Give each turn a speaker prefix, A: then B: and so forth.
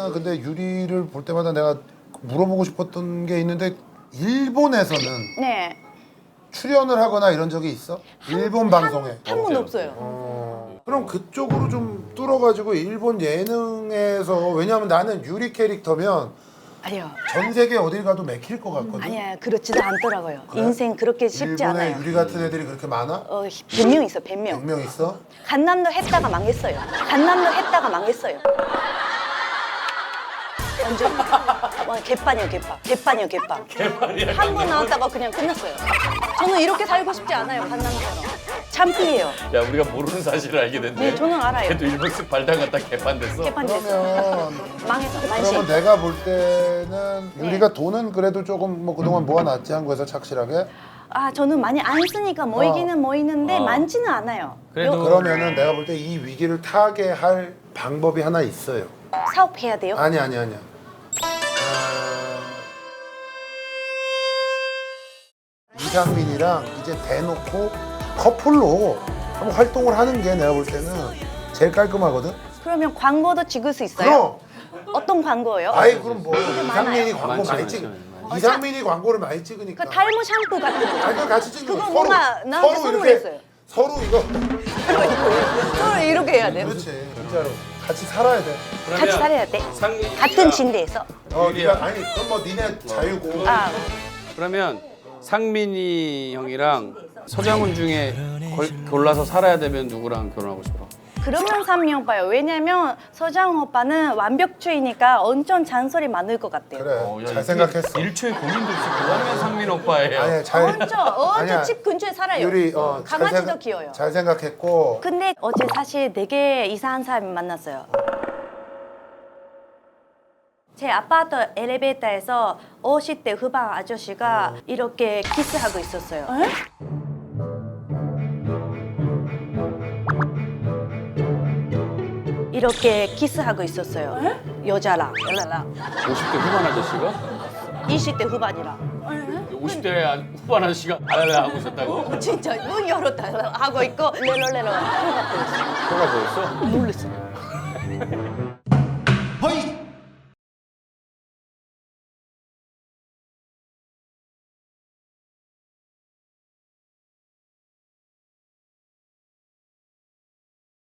A: 나는 근데 유리를 볼 때마다 내가 물어보고 싶었던 게 있는데 일본에서는
B: 네.
A: 출연을 하거나 이런 적이 있어? 일본 방송에.
B: 한 번 없어요.
A: 그럼 그쪽으로 좀 뚫어가지고 일본 예능에서 왜냐하면 나는 유리 캐릭터면
B: 아니요.
A: 전 세계 어딜 가도 맥힐 것 같거든.
B: 아니야, 그렇지도 않더라고요.
A: 그래?
B: 인생 그렇게 쉽지
A: 일본에
B: 않아요.
A: 유리 같은 애들이 그렇게 많아?
B: 100명 있어, 100명.
A: 100명 있어?
B: 간남도 했다가 망했어요. 간남도 했다가 망했어요. 완전 개판이요, 개판. 개판이요, 개판. 한 번 나왔다가 그냥 끝났어요. 저는 이렇게 살고 싶지 않아요, 간남처럼. 참피예요.
C: 야 우리가 모르는 사실을 알게 됐네.
B: 네, 저는 알아요.
C: 걔도 일본 쓱 발당갔다 개판됐어.
B: 개판 됐어.
A: 그러면
B: 망했어, 만신.
A: 그러면 내가 볼 때는 유리가 돈은 그래도 조금 뭐 그동안 모아놨지 한국에서 착실하게.
B: 아, 저는 많이 안 쓰니까 모이기는 모이는데 많지는 않아요.
C: 그래도
A: 그러면은 내가 볼 때 이 위기를 타게 할 방법이 하나 있어요.
B: 사업해야 돼요?
A: 아니야. 이상민이랑 이제 대놓고 커플로 한번 활동을 하는 게 내가 볼 때는 제일 깔끔하거든.
B: 그러면 광고도 찍을 수 있어요?
A: 그럼
B: 어떤 광고예요?
A: 아이 그럼 뭐
B: 많아요.
A: 이상민이 광고 많이 찍. 이상민이 광고를 많이 찍으니까.
B: 그 탈모 샴푸 같은 거.
A: 아니 그거 같이 찍는
B: 그거
A: 거.
B: 뭔가 나한테 선물했어요.
A: 서로 이거.
B: 서로 이렇게 해야 돼요.
A: 그렇지 진짜로 같이 살아야 돼.
B: 같이 살아야 돼.
C: 상민이가-
B: 같은 침대에서.
A: 네가 아니 그건 뭐 니네 자유고.
B: 아,
C: 그러면 상민이 형이랑 서장훈 중에 골라서 살아야 되면 누구랑 결혼하고 싶어?
B: 그러면 상민 오빠요. 왜냐면 서장 오빠는 완벽주의니까 엄청 잔소리 많을 것 같아요.
A: 그래 잘 생각했어.
C: 1초의 고민도 없이 그거면 상민 오빠예요.
A: 아니 잘.
B: 엄청 집 근처에 살아요.
A: 유리
B: 강아지도 귀여워요.
A: 잘 생각했고.
B: 근데 어제 사실 되게 이상한 사람이 만났어요. 제 아파트 엘리베이터에서 50대 후반 아저씨가 이렇게 키스하고 있었어요. 이렇게 키스하고 있었어요. 여자랑.
C: 50대 후반 아저씨가?
B: 20대 후반이랑.
C: 50대 후반 아저씨가 알랄라 하고 있었다고?
B: 진짜 문 열었다 하고 있고 레로레로 코가 보였어요.
C: 코가 보였어?
B: 놀랐어요.